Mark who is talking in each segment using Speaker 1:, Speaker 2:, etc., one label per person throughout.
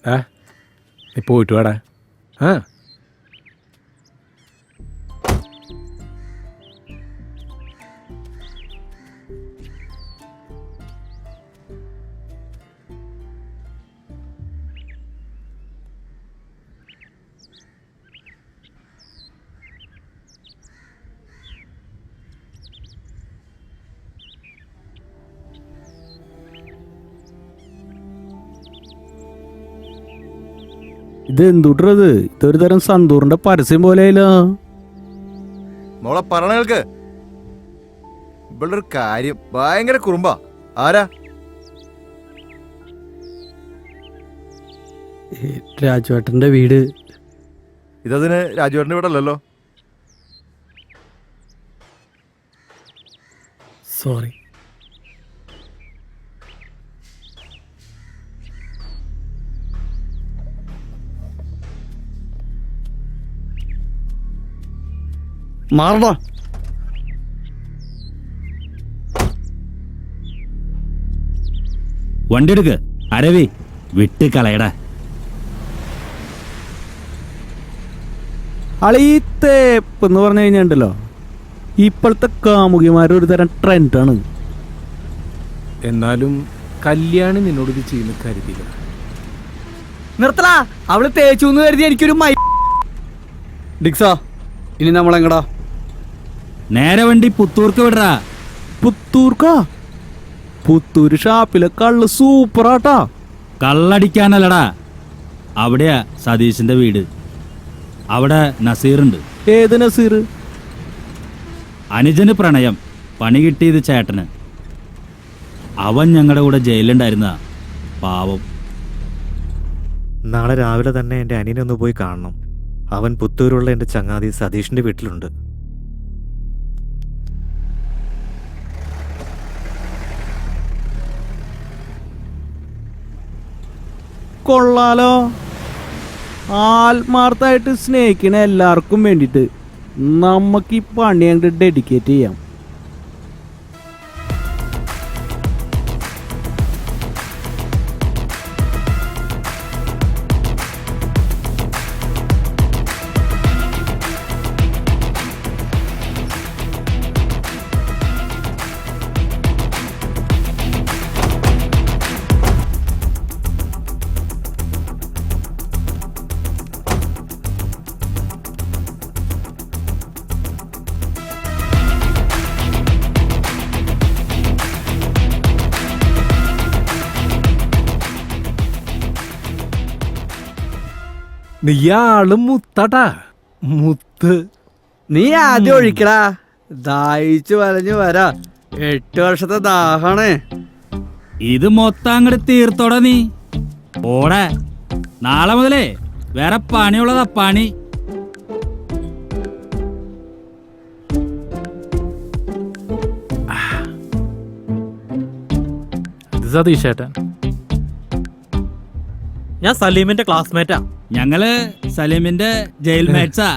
Speaker 1: നീ പോയിട്ട് വാടാ. ആ
Speaker 2: ഇത് എന്തുട്രത്? ഇതൊരു തരം സന്തൂറിന്റെ പരസ്യം പോലെയല്ലോ.
Speaker 3: മോളെ പറഞ്ഞേൾക്ക് ഇവിടെ ഒരു കാര്യം ഭയങ്കര കുറുമ്പാ. ആരാ?
Speaker 2: രാജുവേട്ടന്റെ വീട്.
Speaker 3: ഇതതിന് രാജുവേട്ടൻ്റെ വീടല്ലല്ലോ.
Speaker 2: സോറി. മാറടാ.
Speaker 4: വണ്ടി എടുക്ക് അരവി, വിട്ട് കളയടാ.
Speaker 2: അളീത്തേപ്പ് എന്ന് പറഞ്ഞു കഴിഞ്ഞാണ്ടല്ലോ, ഇപ്പോഴത്തെ കാമുകിമാരൊരു തരം ട്രെൻഡാണ്.
Speaker 1: എന്നാലും കല്യാണി നിന്നോട് ഇത് ചെയ്യുന്ന കരുതിയില്ല.
Speaker 2: നിർത്തലാ, അവള് തേച്ചു എന്ന് കരുതി എനിക്കൊരു ഡിക്സാ. ഇനി നമ്മളെങ്ങടാ?
Speaker 4: നേരെ വണ്ടി പുത്തൂർക്ക് വിടറാ.
Speaker 2: പുത്തൂർക്കാ? പുത്തൂര് ഷാപ്പിലെ കള്ള് സൂപ്പറാട്ടാ.
Speaker 4: കള്ളടിക്കാനല്ലടാ, അവിടെയാ സതീശന്റെ വീട്. അവിടെ നസീറുണ്ട്.
Speaker 2: ഏത് നസീർ?
Speaker 4: അനുജന് പ്രണയം, പണി കിട്ടിയത് ചേട്ടന്. അവൻ ഞങ്ങളുടെ കൂടെ ജയിലുണ്ടായിരുന്ന പാവം.
Speaker 5: നാളെ രാവിലെ തന്നെ എൻ്റെ അനിയനെ ഒന്ന് പോയി കാണണം. അവൻ പുത്തൂരുള്ള എൻ്റെ ചങ്ങാതി സതീഷിൻ്റെ വീട്ടിലുണ്ട്.
Speaker 2: കൊള്ളാലോ. ആത്മാർത്ഥമായിട്ട് സ്നേഹിക്കണ എല്ലാവർക്കും വേണ്ടിയിട്ട് നമുക്ക് ഈ പണി അങ്ങോട്ട് ഡെഡിക്കേറ്റ് ചെയ്യാം.
Speaker 1: നീയാളും മുത്താട്ടാ, മുത്ത്.
Speaker 2: നീ ആദ്യം ഒഴിക്കടാ, ദാഹിച്ചു വലഞ്ഞു വരാ. 8 വർഷത്തെ ദാഹാണ്.
Speaker 4: ഇത് മൊത്തം അങ്ങോട്ട് തീർത്തോടാ നീ. ഓടെ നാളെ മുതലേ വേറെ പണിയുള്ളതാ പണി.
Speaker 1: ഇത് സതീഷേട്ടൻ.
Speaker 6: ഞാൻ സലീമിന്റെ ക്ലാസ്മേറ്റാ.
Speaker 4: ഞങ്ങള് സലീമിന്റെ ജയിൽ മേറ്റ്സാ.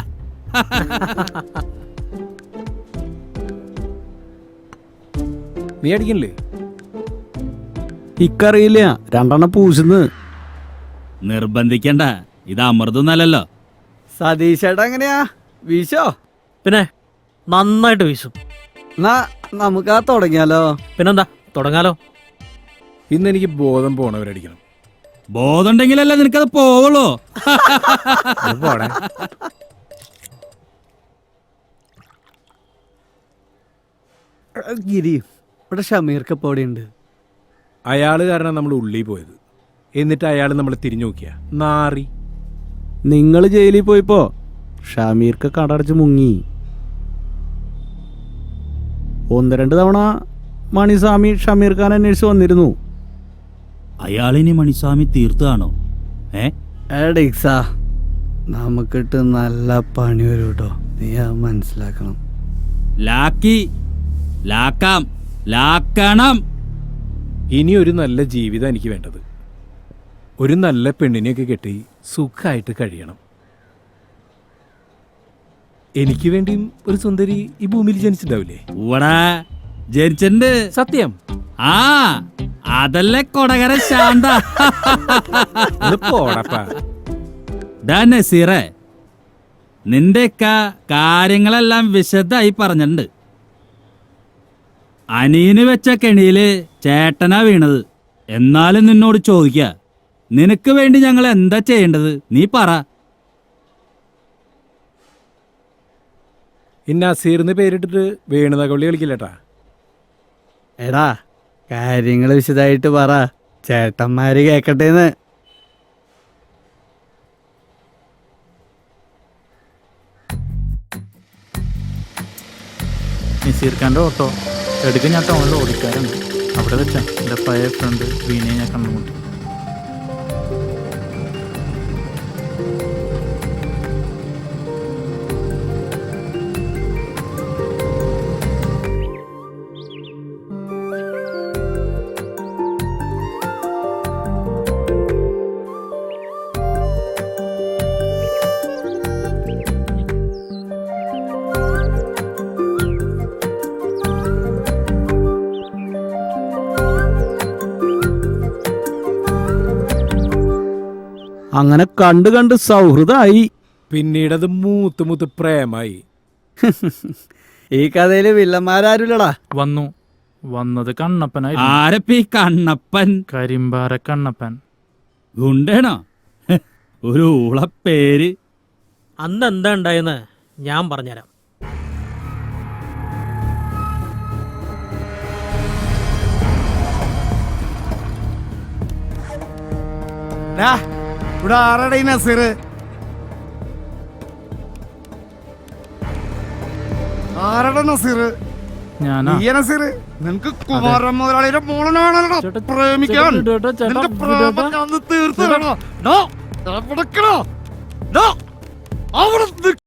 Speaker 1: നീ അടിക്കണില്ലേ?
Speaker 2: ഇക്കറിയില്ല, 2 പൂശുന്ന്.
Speaker 4: നിർബന്ധിക്കണ്ട, ഇത് അമൃതൊന്നല്ലല്ലോ.
Speaker 2: സതീഷേട്ടാ എങ്ങനെയാ വീശോ?
Speaker 6: പിന്നെ നന്നായിട്ട് വീശും.
Speaker 2: എന്നാ നമുക്ക് തുടങ്ങിയാലോ?
Speaker 6: പിന്നെന്താ, തുടങ്ങാലോ.
Speaker 1: ഇന്ന് എനിക്ക് ബോധം പോണവരടിക്കണം.
Speaker 4: ബോധമുണ്ടെങ്കിലല്ലേ നിനക്കത് പോവുള്ളൂ.
Speaker 1: പോണേ.
Speaker 2: ഗിരി, ഇവിടെ ഷമീർക്ക് പോടിയുണ്ട്.
Speaker 1: അയാള് കാരണം നമ്മൾ ഉള്ളിൽ പോയത്. എന്നിട്ട് അയാൾ നമ്മളെ തിരിഞ്ഞു നോക്കിയ നാറി.
Speaker 2: നിങ്ങൾ ജയിലിൽ പോയിപ്പോ ഷമീർക്ക് കടടച്ച് മുങ്ങി. 1-2 തവണ മണിസ്വാമി ഷമീർ ഖാൻ അന്വേഷിച്ച് വന്നിരുന്നു.
Speaker 4: അയാളിനി മണിസ്വാമി തീർത്താണോ?
Speaker 2: ഡിക്സാ, നമുക്കിട്ട് നല്ല പണി വരും കേട്ടോ. നീ അത് മനസ്സിലാക്കണം.
Speaker 4: ലാക്കാം, ലാക്കണം.
Speaker 1: ഇനി ഒരു നല്ല ജീവിതം എനിക്ക് വേണ്ടത്. ഒരു നല്ല പെണ്ണിനെയൊക്കെ കെട്ടി സുഖമായിട്ട് കഴിയണം. എനിക്ക് വേണ്ടിയും ഒരു സുന്ദരി ഈ ഭൂമിയിൽ ജനിച്ചിട്ടുണ്ടാവില്ലേ?
Speaker 4: ഇവിടെ ജനിച്ചിട്ടുണ്ട്.
Speaker 1: സത്യം.
Speaker 4: ആ അതല്ലേ കൊടകര ശാന്ത.
Speaker 1: ഒന്ന് പോടപ്പാ.
Speaker 4: ഡാ നസീറേ, നിന്റെയൊക്ക കാര്യങ്ങളെല്ലാം വിശദമായി പറഞ്ഞിട്ടുണ്ട്. അനിയന് വെച്ച കെണിയില് ചേട്ടനാ വീണത്. എന്നാലും നിന്നോട് ചോദിക്ക, നിനക്ക് വേണ്ടി ഞങ്ങൾ എന്താ ചെയ്യേണ്ടത്? നീ പറ.
Speaker 1: ഇന്ന അസീറിന്ന് പേരിട്ടിട്ട് വേണുതകൊള്ളി കളിക്കില്ലട്ടാ.
Speaker 2: എടാ കാര്യങ്ങൾ വിശദമായിട്ട് പറ, ചേട്ടന്മാര് കേക്കട്ടേന്ന്.
Speaker 7: നസീർ ഖാൻ്റെ ഓട്ടോ എടുക്ക. ഞാൻ ടൗണിൽ ഓടിക്കാറുണ്ട്. അവിടെ വെച്ചാ എൻ്റെ പഴയ ഫ്രണ്ട് വീണയെ ഞാൻ കണ്ടുമുട്ടി.
Speaker 2: അങ്ങനെ കണ്ടു കണ്ട് സൗഹൃദമായി.
Speaker 1: പിന്നീടത് മൂത്ത് മൂത്ത് പ്രേമായി.
Speaker 2: ഈ കഥയില് വില്ലന്മാരാരുല്ലടാ.
Speaker 7: വന്നത് കണ്ണപ്പനായിരുന്നു.
Speaker 4: ആരപ്പി കണ്ണപ്പൻ?
Speaker 7: കരിമ്പാറ കണ്ണപ്പൻ.
Speaker 4: ഗുണ്ടേണോ? ഒരു ഊളപ്പേര്.
Speaker 6: അന്ന് എന്താ ഉണ്ടായെന്ന് ഞാൻ പറഞ്ഞുതരാം.
Speaker 2: ഇവിടെ ആരടാ ഈ നസീർ? ആരടാ നസീർ?
Speaker 7: ഞാനാ.
Speaker 2: നസീർ നിനക്ക് കുമാരൻ മുതലാളിയുടെ മോളനാണല്ലോ പ്രേമിക്കാൻ. നിന്റെ പ്രേമം ഞാൻ തീർത്തു തരണോ? അവിടെ